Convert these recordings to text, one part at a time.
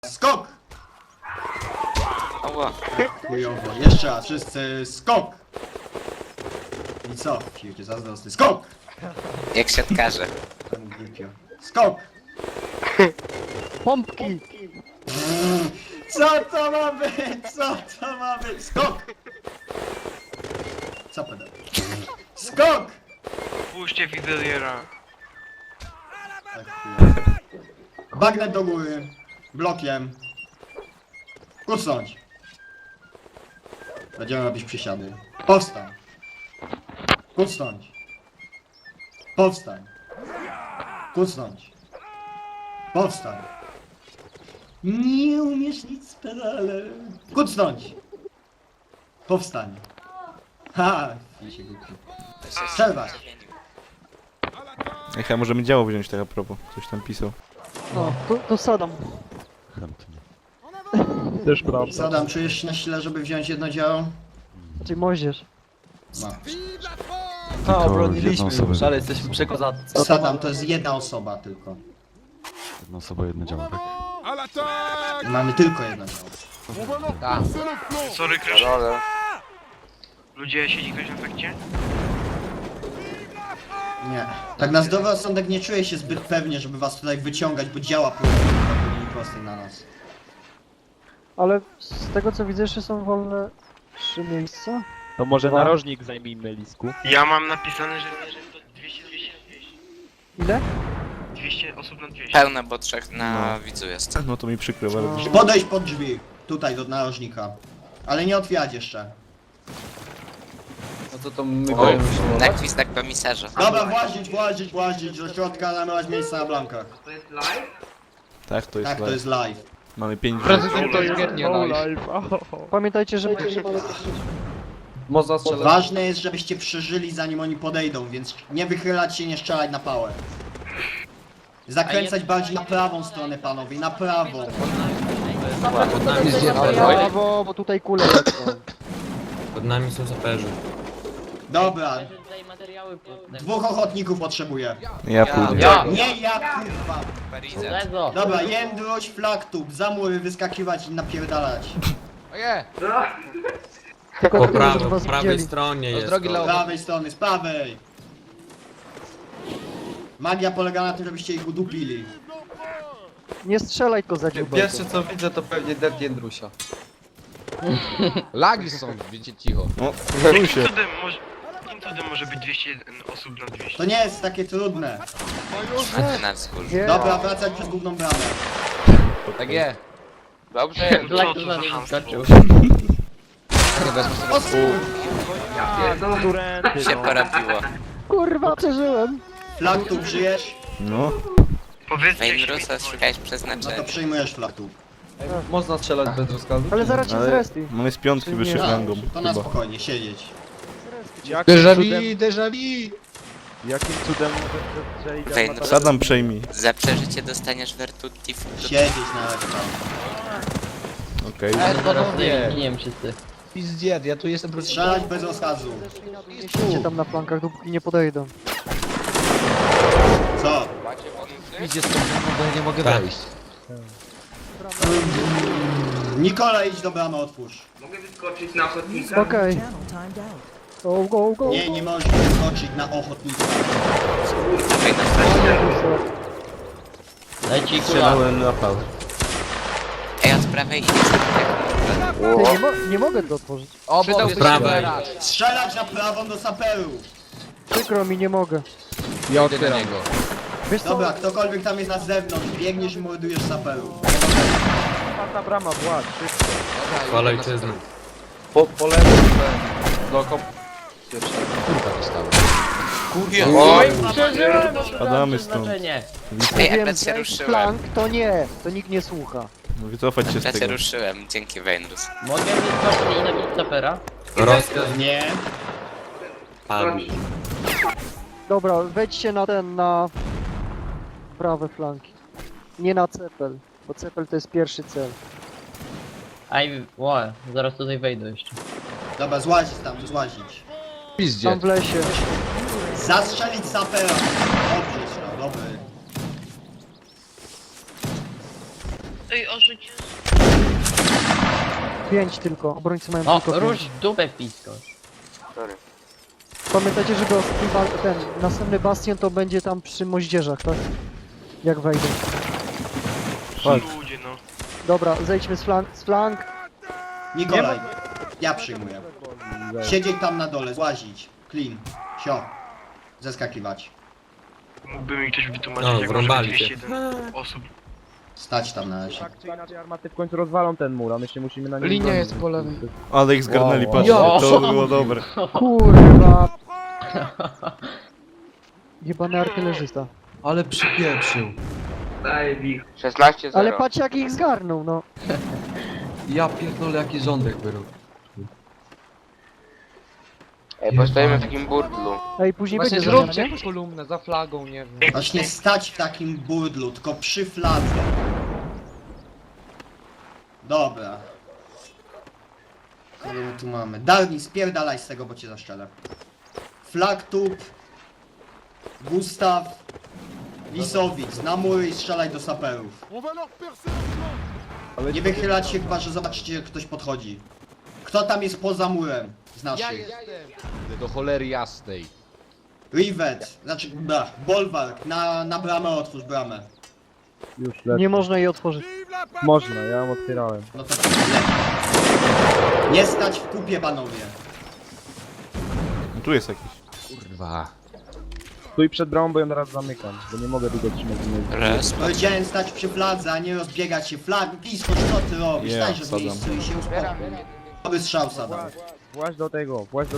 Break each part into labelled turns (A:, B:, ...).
A: Skok!
B: Ała.
A: Chujowo. Jeszcze raz, wszyscy skok! I co? Siłcie zazdrosny. Skok!
B: Jak siatkarze.
A: Temu głupio. Skok!
C: Pompki!
A: Co to ma być? Co to ma być? Skok! Co pedał? Skok!
D: Puśćcie Fideliera.
A: Tak, chujowo. Bagnet do góry. Blokiem. Kucnąć. Będziemy robić przysiady. Powstań. Kucnąć. Powstań. Kucnąć. Powstań. Nie umiesz nic z pedalem. Kucnąć. Powstań. Ha! Ja się głupi. Przerwać.
E: Ej, chyba możemy działo wziąć tak a propos. Coś tam pisał.
C: No, to sadam. Też prawda.
A: Sadam, czujesz się na sile, żeby wziąć jedno działo?
C: Czyli moździerz.
A: Ma.
F: A, obroniliśmy już, ale jesteśmy przekozacy.
A: Sadam, to jest jedna osoba tylko.
G: Jedna osoba, jedno działa, tak?
A: Mamy tylko jedno działo.
D: Sorry, Crash. Ludzie, siedzi ktoś na fakcie?
A: Nie. Tak na zdrowy rozsądek nie czuję się zbyt pewnie, żeby was tutaj wyciągać, bo działa po linii prostej na nas.
C: Ale z tego co widzę, jeszcze są wolne 3 miejsca.
H: To może
C: Dwa.
H: narożnik zajmijmy, Lisku.
D: Ja mam napisane, że to 200
C: Ile?
D: 200 osób na 200.
B: Pełne, bo trzech na widzu jest.
E: No to mi przykro bardzo.
A: Podejść pod drzwi. Tutaj do narożnika. Ale nie otwierać jeszcze.
F: No to my
B: O,
F: powiem
B: na gwizdek komisarza.
A: Dobra, włazić do środka, zamiast miejsca na blankach.
E: Tak, to jest
A: Tak, to
E: live.
A: jest live.
E: Mamy 5
F: to jest nie live.
C: Pamiętajcie, żeby...
F: Można strzelać.
A: Ważne jest, żebyście przeżyli zanim oni podejdą, więc nie wychylać się, nie strzelać na pałę. Zakręcać bardziej na prawą stronę, panowie, na prawą.
C: Brawo, bo tutaj kule lecą.
F: Pod nami są saperzy.
A: Dobra. Dwóch ochotników potrzebuję.
E: Ja pójdę.
A: Nie ja, kurwa.
B: Parizet.
A: Dobra, Jędruś, Flaktub, za mury wyskakiwać i napierdalać.
C: Tylko
F: Po
C: tyle, żeby was
F: prawej
C: widzieli.
F: stronie jest.
A: Z prawej strony, z prawej. Magia polega na tym, żebyście ich udupili.
C: Nie strzelaj tylko za dziubę.
F: Pierwsze co widzę to pewnie Dead Jędrusia.
I: Lagi są, wiecie, cicho.
E: No, stój
D: Jakim
E: się.
D: cudem może być 201 osób na 200?
A: To nie jest takie trudne.
B: A ty na wzgórzu.
C: Nie.
A: Dobra, wracać przez główną bramę.
I: Tak je.
D: Dobrze, co to za hamstwo?
H: Turenty,
B: Się porobiło.
C: Kurwa, przeżyłem.
A: Flaktub, żyjesz?
E: No.
D: Powiedzcie, jak się
B: Wejnrusa szukałeś
A: No to
B: przeznaczenia.
A: przyjmujesz Flaktub.
F: Można strzelać bez rozkazu?
C: Ale zaraz cię
E: Ale
C: zresti.
E: mamy z piątki wyższych
A: A,
E: rangą.
A: to na
E: Chyba.
A: spokojnie, siedzieć.
H: Jakim cudem,
I: Déjà vu!
H: jakim cudem strzeli
B: Wejnrus.
E: Sadam przejmij.
B: Za przeżycie dostaniesz Vertuti w...
A: Siedzieć na resztę.
E: Okej.
I: Nie. Pizdziet, ja tu jestem proszę.
A: Strzelać bez rozkazu.
C: Idźcie tam na flankach, dopóki nie podejdą.
A: Co?
I: Idzie stąd, bo ja nie mogę wejść.
A: Nikola, idź do bramy, otwórz.
C: Okej. Go, go, go.
A: Nie możesz wyskoczyć na ochotnika.
I: Strzelałem na pał.
B: Ej, od prawej idziesz tak.
C: Ty, nie mogę to otworzyć.
I: O, bo jest
F: prawej.
A: Strzelać na prawą do saperu.
C: Przykro mi, nie mogę.
I: Ja otwieram go.
C: Wiesz co?
A: Dobra, ktokolwiek tam jest na zewnątrz, biegniesz i mordujesz saperu.
H: Czwarta brama, Wład, szybko.
F: Chwala ojczyzny.
H: Po lewej,
F: Do kom...
I: Kurwa dostałem.
B: Oj!
E: Spadamy stąd.
B: Ej,
C: Wiem,
B: akurat się
C: że
B: ruszyłem.
C: flank to nie, to nikt nie słucha.
E: No wycofać się z
B: Akurat się
E: tego.
B: ruszyłem, dzięki Wejnrus.
F: Rozkaz
A: Nie.
F: padł.
C: Dobra, wejdźcie na na prawe flanki. Nie na cepel, bo cepel to jest pierwszy cel.
I: Zaraz tutaj wejdę jeszcze.
A: Dobra, złazić tam, złazić.
C: Tam
I: Pizdziet.
C: w lesie.
A: Zastrzelić sapera. Dobrze, strzał, dobry.
J: Ej, o życie.
C: 5 tylko, obrońcy mają
I: No,
C: tylko 5.
I: rusz dupę pisko.
D: Sorry.
C: Pamiętajcie, żeby ten następny bastion to będzie tam przy moździerzach, tak? Jak wejdę.
D: Ludzie, no.
C: Dobra, zejdźmy z flank.
A: Nikolaj, ja przyjmuję. Siedzieć tam na dole, złazić. Clean. Sio. Zeskakiwać.
D: Mógłby mi ktoś wytłumaczyć, jak może być 201 osób.
A: Stać tam na razie.
H: Tak czy inaczej armaty w końcu rozwalą ten mur, a my się musimy na nim
I: Linia
H: bronić.
I: jest po lewej.
E: Ale ich zgarnęli,
H: Wow.
E: patrzcie,
I: Ja.
E: to było dobre.
C: Kurwa. Jebany artylerzysta.
F: Ale przypieprzył.
D: 16-0.
C: Ale patrz jak ich zgarnął, no.
F: Ja pierdolę, jaki rządek wyrób.
D: Ej, postajemy w takim burdlu.
C: Ej, później
I: Właśnie
C: będzie
I: zróbcie
C: zamiana, nie?
I: jakąś kolumnę za flagą, nie wiem.
A: Właśnie stać w takim burdlu, tylko przy fladze. Dobra. Kogo my tu mamy? Darni, spierdalaj z tego, bo cię zaszczelę. Flaktub. Gustaw. Lisowic, na mury i strzelaj do saperów.
H: Ale
A: Nie wychylać się chyba, że zobaczycie, jak ktoś podchodzi. Kto tam jest poza murem z naszych?
H: do cholery jasnej.
A: Rivet, znaczy, Bolwark, na bramę otwórz bramę.
H: Już lecę.
C: Nie można jej otworzyć.
H: Można, ja ją otwierałem.
A: No to leć. Nie stać w kupie, panowie.
E: No, tu jest jakiś.
H: Kurwa. Stój przed bramą, bo ją teraz zamykam, bo nie mogę długo trzymać w miejscu.
B: Raz.
A: Powiedziałem stać przy fladze, a nie rozbiegać się. Flag, blisko, co ty robisz?
E: Ja,
A: Stań w
E: Sadam.
A: miejscu i się uspokój. Dobry strzał, Sadam.
H: Właź do tego portu.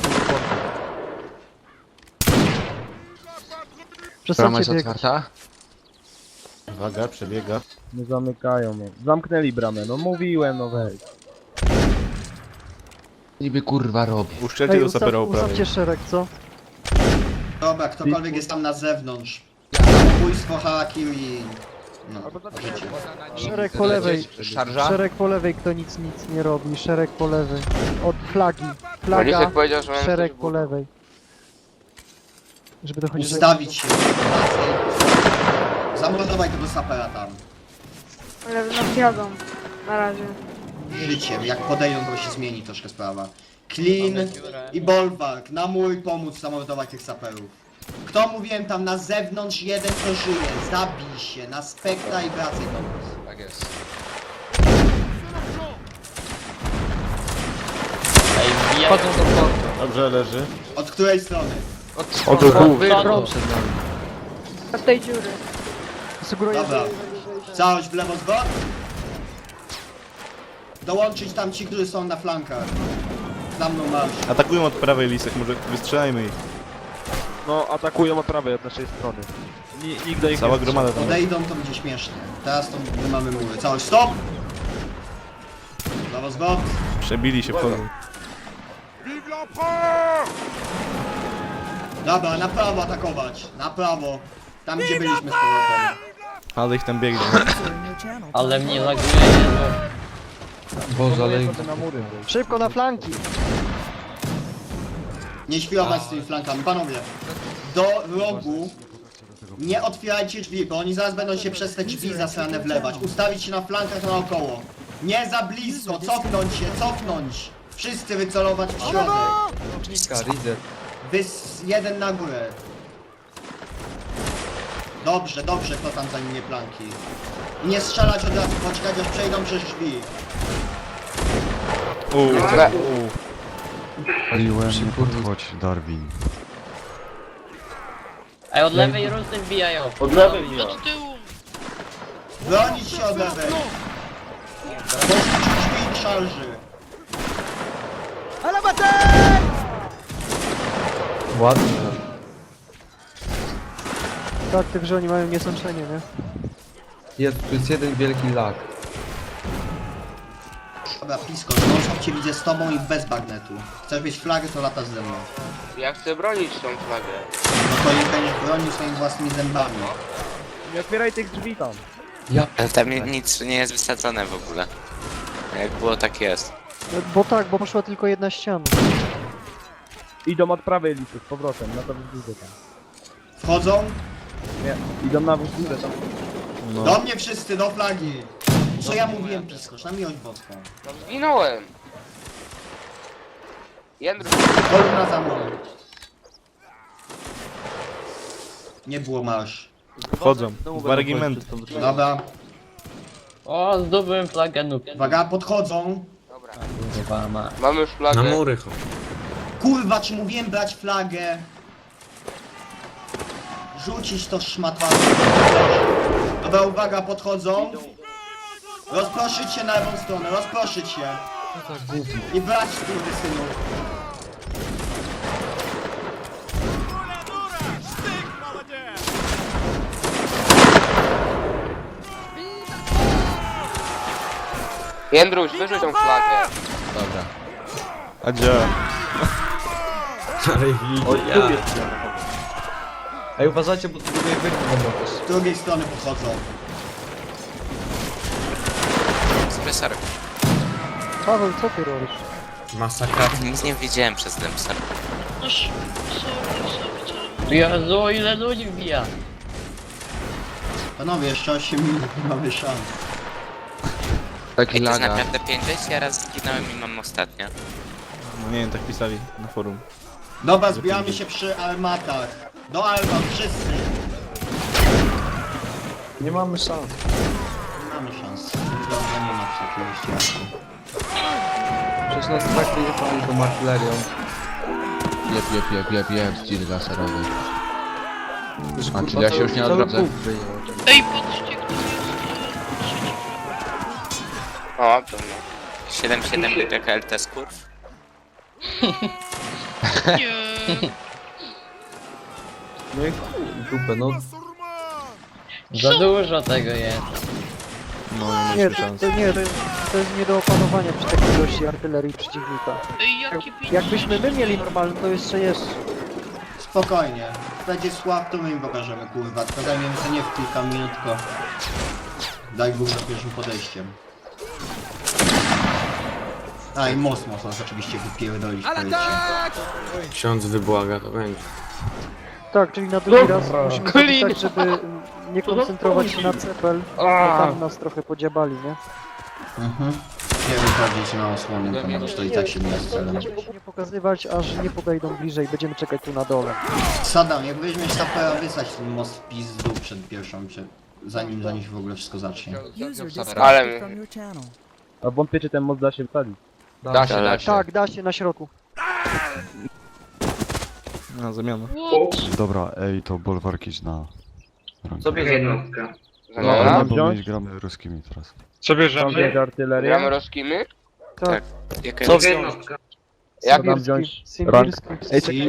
C: Przestańcie biegać.
E: Uwaga, przebiega.
H: Nie zamykają mnie. Zamknęli bramę, no mówiłem, no weź.
F: Niby kurwa robi.
E: Uszczelcie
C: Ej,
E: do sapera
C: ustawcie
E: prawej.
C: szereg, co?
A: Dobra, ktokolwiek jest tam na zewnątrz. Zabójstwo, harakiri. No, życie.
C: Szereg po lewej.
F: Szarża?
C: Szereg po lewej, kto nic nie robi. Szereg po lewej. Od flagi. Flaga,
D: powiedział, że mamy
C: szereg
D: coś
C: po lewej. Żeby dochodzić do...
A: Ustawić się. Zamordować tego sapera tam.
J: Ale nas jadą. Na razie.
A: Życiem, jak podejdą, to się zmieni troszkę sprawa. Clean i Bolwark, na mur pomóc zamordować tych saperów. Kto mówiłem tam na zewnątrz, jeden kto żyje, zabij się, na spektra i wracaj do nas.
F: Tak jest.
I: Ej, wbijają.
E: Dobrze, leży.
A: Od której strony?
E: O to tu.
I: Wyprąd.
J: Od tej dziury.
C: Sugeruję,
A: Dobra. Całość w lewo zwrot. Dołączyć tam ci, którzy są na flankach. Za mną marsz.
E: Atakują od prawej lisek, może wystrzelajmy ich.
H: No, atakują od prawej, od naszej strony. Nigdy ich
E: Cała
H: nie
E: gromada tam.
A: Odejdą, to będzie śmiesznie. Teraz to my mamy mury. Całość stop! Lewo zwrot.
E: Przebili się, wchodzą.
A: Dobra, na prawo atakować. Na prawo. Tam gdzie byliśmy z powrotem.
E: Ale ich tam biegnie.
I: Ale mnie laguje, nie no.
F: Boże, ale...
H: na mury.
C: szybko na flanki.
A: Nie świrować z tymi flankami. Panowie, do rogu nie otwierajcie drzwi, bo oni zaraz będą się przez te drzwi zasrane wlewać. Ustawić się na flankach naokoło. Nie za blisko, cofnąć się, cofnąć. Wszyscy wycelować w środek. Jeden na górę. Dobrze, dobrze, kto tam zajmie flanki. I nie strzelać od razu, poczekać aż przejdą przez drzwi.
G: Paliłem, nie podchodź, Darwin.
I: Ej, od lewej rusy wbijają.
J: Do tyłu.
A: Bronić się od lewej. Poszlić drzwi i szarży.
F: Ładnie.
C: Tak, tylko że oni mają niesączenie, nie?
F: Tu jest jeden wielki lag.
A: Dobra, Pisko, non cię widzę z tobą i bez bagnetu. Chcesz mieć flagę, to latasz ze mną.
D: Ja chcę bronić tą flagę.
A: No to jej będziesz bronił swoimi własnymi zębami.
H: Nie otwieraj tych drzwi tam.
B: Ale tam nic nie jest wysadzone w ogóle. Jak było, tak jest.
C: Bo tak, bo poszła tylko jedna ściana.
H: Idą od prawej listy z powrotem, na to wzgórze tam.
A: Wchodzą?
H: Nie, idą na wzgórze tam.
E: No.
A: Do mnie wszyscy, do flagi. Co ja mówiłem, piskosz, na miłość boską.
B: No zginąłem. Jędrus,
A: Kolumna za mną. Nie było marsz.
E: Wchodzą. Dwa regimenty.
A: Dobra,
I: O, zdobyłem flagę nóg.
A: uwaga, podchodzą.
B: dobra.
I: Kurwa ma.
B: Mamy już flagę.
A: Kurwa, czy mówiłem brać flagę? Rzucić to szmatwane. Dobra, uwaga, podchodzą. Rozproszyć się na lewą stronę, rozproszyć się. I brać, synu.
B: Jędruś, wyrzuć tą flagę.
I: Dobra.
E: A działa.
F: Ej, uważajcie, bo tu drugiej wyjdzie będą też.
A: Z drugiej strony podchodzą.
B: Spresor.
C: Paweł, co ty robisz?
B: Nic nie widziałem przez ten psar.
I: Jezu, ile ludzi wbija.
A: Panowie, jeszcze 8 minut, nie mamy szans.
B: Ej, to jest naprawdę 50, ja raz zginąłem i mam ostatnio.
E: No nie wiem, tak pisali na forum.
A: Dobra, zbieramy się przy armatach. Do armat, wszyscy.
F: Nie mamy szans.
A: Nie mamy szans. Dobra, nie ma oczywiście.
F: Przecież nas tak nie jechali tą artylerią.
G: Jeb, styl laserowy.
F: Znaczy, ja się już nie odwrócę.
J: Ej, patrzcie, kto jest.
B: O, to no. 7-7 PKLT skurw.
J: Nie.
F: No i dupę, no.
I: Za dużo tego jest.
E: No nie
C: Nie,
E: mieliśmy szans.
C: to jest nie do opanowania przy takiej ilości artylerii przeciwnika.
J: Ej, jakie pieniądze.
C: Jakbyśmy my mieli normalne, to jeszcze jest.
A: Spokojnie. Będzie słab, to my im pokażemy, kurwa. Tylko zajmiemy się nie w kilka minut, tylko... Daj Bóg za pierwszym podejściem. A i most można oczywiście wypierdolić w powietrze.
H: Ksiądz wybłaga, to będzie.
C: Tak, czyli na drugi raz musimy zrobić tak, żeby nie koncentrować się na cepel, bo tam nas trochę podziabali, nie?
A: Nie wychodzić na osłonę, ponieważ to i tak się nie jest celem.
C: Nie pokazywać, aż nie podejdą bliżej, będziemy czekać tu na dole.
A: Sadam, jak weźmiesz sapera, wysać ten most w pizdu zanim się w ogóle wszystko zacznie.
B: Ale...
H: A wątpię, czy ten most da się wsadzić.
F: Da się.
C: Tak, da się na środku.
E: Na zamianę.
G: Dobra, ej, to bolwarki na...
F: Sobie jednostkę.
B: Zamiana?
G: Nie, bo my gramy ruskimi teraz.
H: Co bierzemy? Tam artylerię.
B: Gramy roskimy?
C: Tak.
B: Jaka
F: Sobie
B: jest?
F: jednostkę.
B: Jak
H: Tam wziąć
C: Symbirski.
H: Ej,